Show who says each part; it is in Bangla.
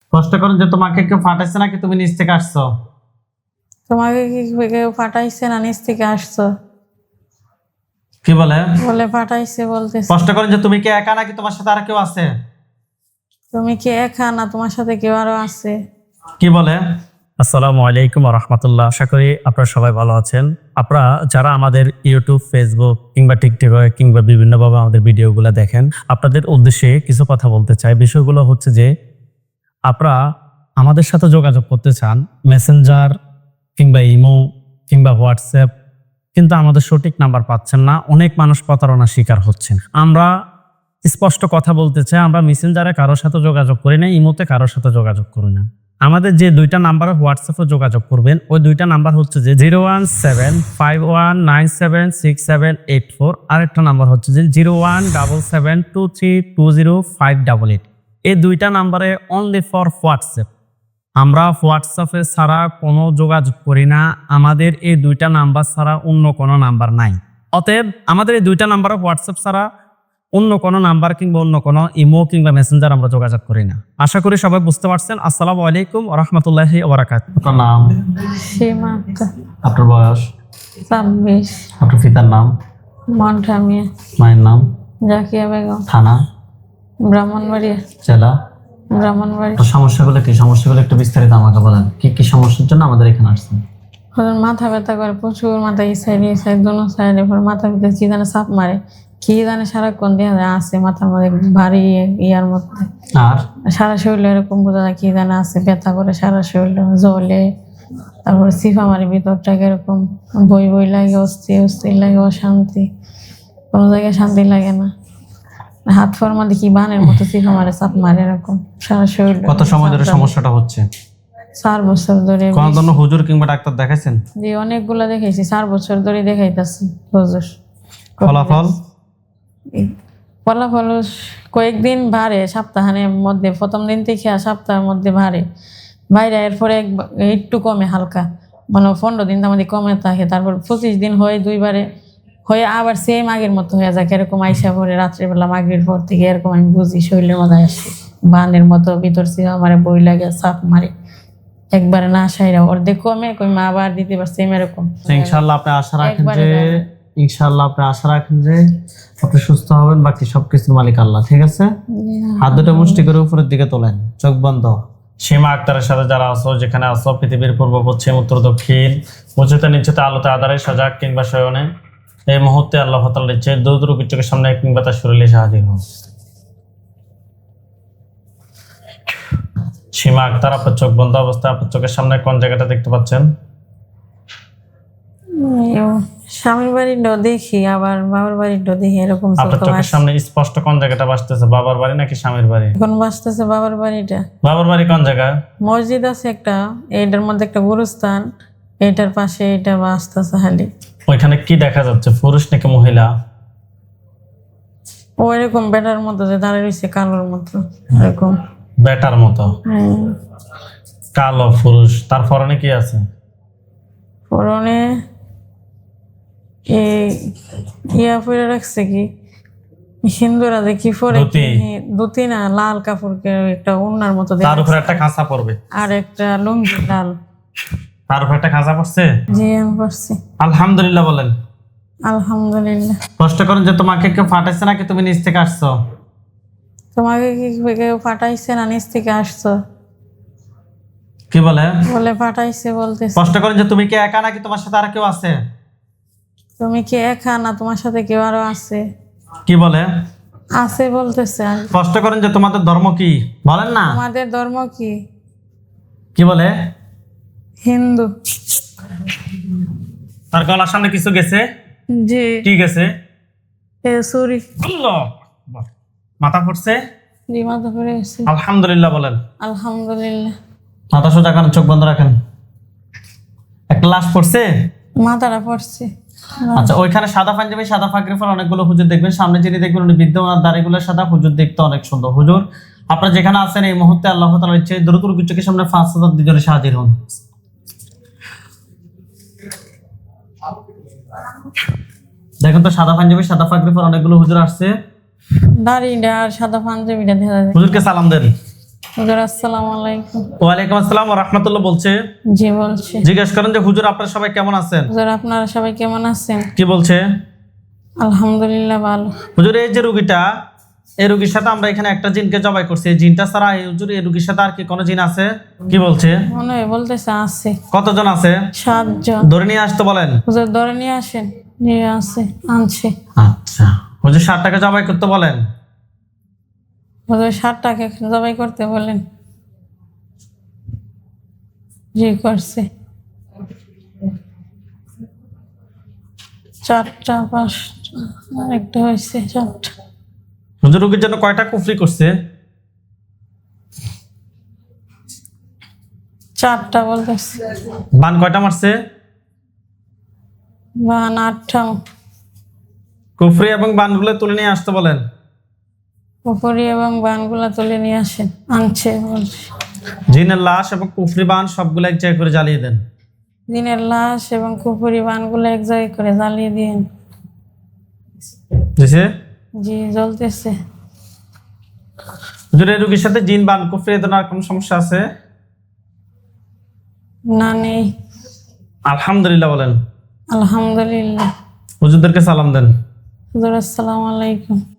Speaker 1: কষ্ট করেন যে তোমাকে কেউ ফাটাইছে নাকি তুমি নিচ থেকে আসছো?
Speaker 2: তোমাকে কি কেউ পাঠাইছে না নিচ থেকে আসছো?
Speaker 1: কি বলে?
Speaker 2: বলে পাঠাইছে বলতেছে।
Speaker 1: কষ্ট করেন যে তুমি কি একা নাকি তোমার সাথে আর কেউ আছে?
Speaker 2: তুমি কি একা না তোমার সাথে কেউ আরো আছে?
Speaker 1: কি বলে?
Speaker 3: আসসালামু আলাইকুম ওয়া রাহমাতুল্লাহ। আশা করি আপনারা সবাই ভালো আছেন। আপনারা যারা আমাদের ইউটিউব, ফেসবুক কিংবা টিকটকে কিংবা বিভিন্নভাবে আমাদের ভিডিওগুলো দেখেন, আপনাদের উদ্দেশ্যে কিছু কথা বলতে চাই। বিষয়গুলো হচ্ছে যে আপনারা আমাদের সাথে যোগাযোগ করতে চান মেসেঞ্জার কিংবা ইমো কিংবা হোয়াটসঅ্যাপ, কিন্তু আমাদের সঠিক নাম্বার পাচ্ছেন না। অনেক মানুষ প্রতারণার শিকার হচ্ছেন। আমরা স্পষ্ট কথা বলতে চাই, আমরা মেসেঞ্জারে কারোর সাথে যোগাযোগ করি না, ইমোতে কারোর সাথে যোগাযোগ করি না। আমাদের যে দুইটা নাম্বারে হোয়াটসঅ্যাপে যোগাযোগ করবেন, ওই দুইটা নাম্বার হচ্ছে যে 01751976784, আরেকটা নাম্বার হচ্ছে যে 01772320588। এই দুইটা নাম্বারে অনলি ফর হোয়াটসঅ্যাপ। আমরা হোয়াটসঅ্যাপে ছাড়া কোনো যোগাযোগ করি না। আমাদের এই দুইটা নাম্বার ছাড়া অন্য কোনো নাম্বার নাই। অতএব আমাদের এই দুইটা নাম্বারে হোয়াটসঅ্যাপ ছাড়া অন্য কোনো নাম্বার কিংবা অন্য কোনো ইমো কিংবা মেসেঞ্জার আমরা যোগাযোগ করি না। আশা করি সবাই বুঝতে পারছেন। আসসালামু আলাইকুম ওয়া রাহমাতুল্লাহি ওয়া বারাকাতুহু।
Speaker 1: আপনার নাম?
Speaker 2: সীমা।
Speaker 1: আপনার বয়স?
Speaker 2: 26।
Speaker 1: আপনার পিতার নাম?
Speaker 2: মন্ঠা মিয়া।
Speaker 1: মায়ের নাম?
Speaker 2: জাকিয়া বেগম।
Speaker 1: থানা?
Speaker 2: ব্রাহ্মণবাড়িয়া।
Speaker 1: জেলা?
Speaker 2: ব্রাহ্মণবাড়ি।
Speaker 1: তো সমস্যাগুলো কি? সমস্যাগুলো একটু বিস্তারিত আমাকে বলেন। কি কি সমস্যার জন্য আমাদের এখানে আসছেন?
Speaker 2: মাথা ব্যথা করে প্রচুর, মাথা এই সাইড দোনো সাইডে, মাথা ভিতরে কি জানে চাপ মারে, কি জানে সারাক্ষণ দিয়ে আছে মাথার মধ্যে ভারী ইয়ার মধ্যে।
Speaker 1: আর
Speaker 2: সারা শরীরে এরকম বোঝা যায় কি জানে আছে, ব্যথা করে সারা শরীরে, জ্বলে, তারপরে সিফা মারি ভিতরটাকে এরকম বই বই লাগে, অস্থির লাগে, অশান্তি, কোনো জায়গায় শান্তি লাগে না। হাত ফোর মধ্যে কি বানের মতো সিফা মারে, চাপ মারে এরকম সারা শরীর।
Speaker 1: কত সময় ধরে সমস্যাটা হচ্ছে?
Speaker 2: 4 বছর ধরে।
Speaker 1: কোন ধরনের হুজুর কিংবা ডাক্তার দেখাইছেন?
Speaker 2: জি অনেকগুলা দেখাইছি, 4 বছর ধরে দেখাইতাছি হুজুর।
Speaker 1: ফলাফল?
Speaker 2: ফলাফল কয়েকদিন ভারে, সপ্তাহের মধ্যে, প্রথম দিন থেকে সপ্তাহের মধ্যে ভারে বাইরে, এরপরে একটু কমে হালকা, মানে 15 দিন আমাদের কমে থাকে, তারপর 25 দিন হয়, 2বারে হয়ে আবার সেম আগের মতো হয়ে যায়। এরকম আইসা পরে রাত্রেবেলা মাগরিবের পর থেকে এরকম আমি বুঝি শরীরের মধ্যে আসে বানের মতো, ভিতর থেকে আমার বই লাগে, চাপ মারে, একবারে না সাইরা অর্ধেক কমে কই মা আবার দিতে পারছে এরকম।
Speaker 1: ইনশাআল্লাহ আপনি আশা রাখেন যে আপনি সুস্থ হবেন। বাকি সবকিছুর মালিক আল্লাহ। ঠিক আছে, হাত দুটো মুষ্টি করে উপরের দিকে তোলেন, চোখ বন্ধ। সীমা আক্তারের সাথে যারা আছো, যেখানে আছো, পৃথিবীর পূর্ব পশ্চিম উত্তর দক্ষিণ, উঁচুতে নিচুতে, আলোতে আধারে, সজাগ কিংবা শয়নে, এই মুহূর্তে আল্লাহ তাআলার ইচ্ছে দূর চোখের সামনে কিংবা তার শরীরে হাজির হন। সীমা আক্তার, আপনার চোখ বন্ধ অবস্থায় আপনার চোখের সামনে কোন জায়গাটা দেখতে পাচ্ছেন?
Speaker 2: স্বামীর বাড়িটাও দেখি, আবার বাবার বাড়িটাও দেখি, এরকম
Speaker 1: আপনার চোখের সামনে স্পষ্ট কোন জায়গাটা ভাসতেছে? বাবার বাড়ি নাকি স্বামীর বাড়ি?
Speaker 2: এখন বাঁচতেছে বাবার বাড়িটা।
Speaker 1: বাবার বাড়ি কোন জায়গায়?
Speaker 2: মসজিদ আছে একটা, এইটার মধ্যে একটা গুরুস্থান, এইটার পাশে এটা বাঁচতেছে খালি।
Speaker 1: ওইখানে কি দেখা যাচ্ছে, পুরুষ নাকি মহিলা?
Speaker 2: ও এরকম বেটার মতো যে দাঁড়িয়ে রয়েছে, কালোর মতো এরকম।
Speaker 1: বেটার মতো কালো পুরুষ। তার পরনে কি আছে?
Speaker 2: পরনে ইয়া পরে রাখছে কি হিন্দুরা দেখি পরে, ধুতি না, লাল কাপড়কে একটা ওড়নার মতো,
Speaker 1: তার উপরে একটা খাঁচা পড়বে,
Speaker 2: আর একটা লুঙ্গি লাল,
Speaker 1: তার উপরে একটা খাঁচা পড়ছে।
Speaker 2: জি আমি পড়ছি।
Speaker 1: আলহামদুলিল্লাহ বলেন।
Speaker 2: আলহামদুলিল্লাহ।
Speaker 1: কষ্ট করেন যে তোমাকে কেউ ফাটাইছে নাকি তুমি নিচ থেকে আসছো?
Speaker 2: তোমাকে কি কেউ পাঠাইছে না নিচ থেকে আসছো?
Speaker 1: কি বলে?
Speaker 2: বলে পাঠাইছে বলতেছে।
Speaker 1: কষ্ট করেন যে তুমি কি একা নাকি তোমার সাথে আর কেউ আছে?
Speaker 2: তুমি কি একা না তোমার সাথে কেউ আরো আছে?
Speaker 1: কি বলে?
Speaker 2: আছে বলতেছে।
Speaker 1: কষ্ট করেন যে তোমাদের ধর্ম কি বলেন না?
Speaker 2: আমাদের ধর্ম কি?
Speaker 1: কি বলে?
Speaker 2: হিন্দু।
Speaker 1: তার গলার সামনে কিছু গেছে?
Speaker 2: জি।
Speaker 1: কি গেছে?
Speaker 2: সরি।
Speaker 1: মাথা পড়ছে?
Speaker 2: জি মাথা পড়ে গেছে।
Speaker 1: আলহামদুলিল্লাহ বলেন।
Speaker 2: আলহামদুলিল্লাহ।
Speaker 1: মাথা সোজা করেন, চোখ বন্ধ রাখেন। একটা লাশ পড়ছে?
Speaker 2: মাথাটা পড়ছে।
Speaker 1: আচ্ছা, ওইখানে সাদা পাঞ্জাবি, সাদা পাগড়ি পরা অনেকগুলো হুজুর দেখবেন। সামনে যিনি দেখবেন উনি বৃদ্ধ, ওনার দাড়িগুলো সাদা, হুজুর দেখতে অনেক সুন্দর। হুজুর আপনারা যেখানে আছেন এই মুহূর্তে আল্লাহ তাআলার ইচ্ছে দ্রুত চোখের সামনে 5,000 দুজনে হাজির হন। দেখেন তো সাদা পাঞ্জাবি, সাদা পাগড়ি পরা অনেকগুলো হুজুর আসছে।
Speaker 2: দাড়িটা আর সাদা পাঞ্জাবিটা দেখা যায়।
Speaker 1: হুজুরকে সালাম দেন।
Speaker 2: হুজুর আসসালামু আলাইকুম।
Speaker 1: ওয়ালাইকুম আসসালাম ওয়া রাহমাতুল্লাহ বলছে।
Speaker 2: জি বলছি।
Speaker 1: জিজ্ঞেস করেন যে হুজুর আপনারা সবাই কেমন আছেন?
Speaker 2: হুজুর আপনারা সবাই কেমন আছেন?
Speaker 1: কি বলছে?
Speaker 2: আলহামদুলিল্লাহ ভালো।
Speaker 1: হুজুর এই যে রোগীটা, এই রোগীর সাথে আমরা এখানে একটা জিনকে জবাই করছি, এই জিনটা ছাড়া এই হুজুর এই রোগীর সাথে আর কি কোনো জিন আছে? কি বলছে?
Speaker 2: মনে হয় বলতেছে আছে।
Speaker 1: কতজন আছে?
Speaker 2: 7 জন।
Speaker 1: ধরে নিয়ে আসতে বলেন।
Speaker 2: হুজুর ধরে নিয়ে আসেন। নিয়ে আছে, আনছে।
Speaker 1: আচ্ছা, হুজুর 60 টাকা জবাই করতে বলেন।
Speaker 2: হুজুর 60টাকে জবাই করতে বলেন। জি করছে। 4টা 5টা একটা হয়েছে 4টা।
Speaker 1: হুজুর রোগীর জন্য কয়টা কুফরি করছে?
Speaker 2: 4টা বলতেছে।
Speaker 1: বান কয়টা মারছে?
Speaker 2: বান 8টা।
Speaker 1: কুফরি এবং বানগুলো তুলে নিয়ে আসতে বলেন।
Speaker 2: পুকুরি এবং বানগুলা তুলে নিয়ে আসেন, আনছে বলছে।
Speaker 1: জিনের লাশ এবং কুফরি বান সবগুলো এক জায়গায় করে জ্বালিয়ে দেন।
Speaker 2: দিনের লাশ এবং কুপুরি বানগুলো এক জায়গায় করে জ্বালিয়ে দিন।
Speaker 1: বুঝছে?
Speaker 2: জি জ্বলতেছে।
Speaker 1: হুজুর এই রোগীর সাথে জিন বান কুফরি এ ধরনের আর কোনো সমস্যা আছে?
Speaker 2: না নেই।
Speaker 1: আলহামদুলিল্লাহ বলেন।
Speaker 2: আলহামদুলিল্লাহ।
Speaker 1: হুজুরদেরকে সালাম দেন।
Speaker 2: হুজুর আসসালামু আলাইকুম।